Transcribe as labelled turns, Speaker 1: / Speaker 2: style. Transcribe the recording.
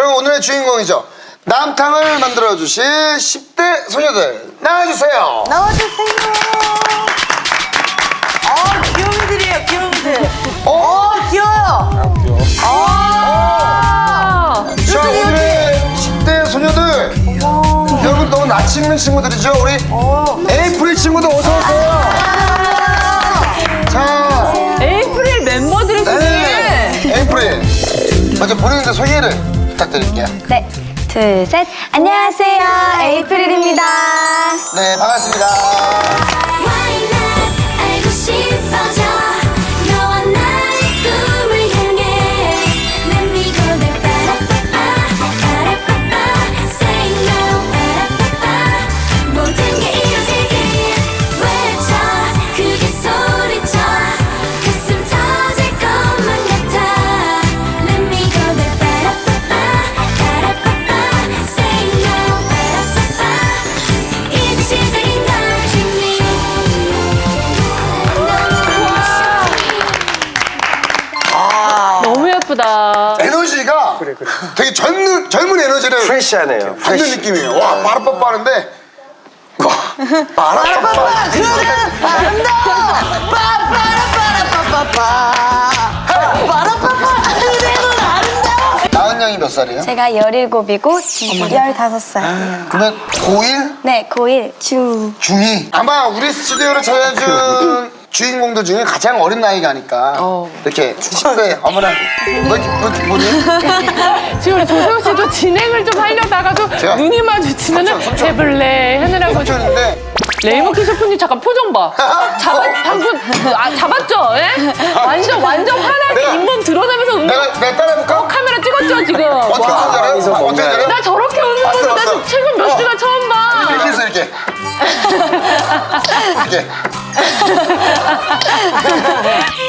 Speaker 1: 여러분 오늘의 주인공이죠. 남탕을 만들어주실 10대 소녀들 나와주세요.
Speaker 2: 나와주세요. 귀요미들이에요, 귀요미들. 귀여워요.
Speaker 1: 자, 오늘의 10대 소녀들. 여러분 너무 낯이 익는 친구들이죠. 우리 에이프릴 친구들 어서오세요. 자,
Speaker 3: 에이프릴 멤버들이
Speaker 1: 네, 에이프릴 먼저 본인들 소개를 부탁드릴게요.
Speaker 4: 네, 둘, 셋. 안녕하세요. 에이프릴입니다.
Speaker 1: 네, 반갑습니다.
Speaker 5: 알고 싶어져 너와 나의 꿈을 향해 난 미고들 빠라빠빠 say no 빠라빠빠 모든 게 이루어지길 외쳐 크게 소리쳐 가슴 터질 것만 같아 난 미고들 빠라빠빠 say no 빠라빠빠 이제 시작인 걸 준비
Speaker 3: 너무 예쁘다.
Speaker 1: 에너지가 되게 젊은 에너지를
Speaker 6: 프레시하네요.
Speaker 1: 받는 느낌이에요. 와, 빠라빠빠 하는데 와, 빠라빠빠 나은 양이 몇 살이에요?
Speaker 4: 제가 17이고 지금 15살.
Speaker 1: 그러면 고1?
Speaker 4: 네, 고1 중.
Speaker 1: 중2? 아마 우리 스튜디오를 찾아준 주인공들 중에 가장 어린 나이가 아닐까. 이렇게 10대 어머나 뭐지?
Speaker 3: 지금 우리 조세호 씨도 진행을 좀 하려다가도
Speaker 1: 제가
Speaker 3: 눈이 마주치면은
Speaker 1: 삼촌.
Speaker 3: 해볼래 하느라고.
Speaker 1: 삼촌인데
Speaker 3: 레이모키 셰프님 잠깐 표정 봐. 방금 잡았죠? 예? 완전 화나게
Speaker 1: 내가-
Speaker 3: 잇몸 드러내면서
Speaker 1: 내가 따라해볼까?
Speaker 3: 카메라 찍었죠 지금.
Speaker 1: 어떻게
Speaker 3: 와.
Speaker 1: 잘해요?
Speaker 6: 여기서
Speaker 1: 어떻게
Speaker 6: 뭔가요?
Speaker 1: 잘해요?
Speaker 3: 나 저렇게 웃는
Speaker 1: 봤어,
Speaker 3: 거는
Speaker 1: 봤어.
Speaker 3: 나 최근 몇 시간 처음 봐.
Speaker 1: 이렇게 해서 이렇게 이렇게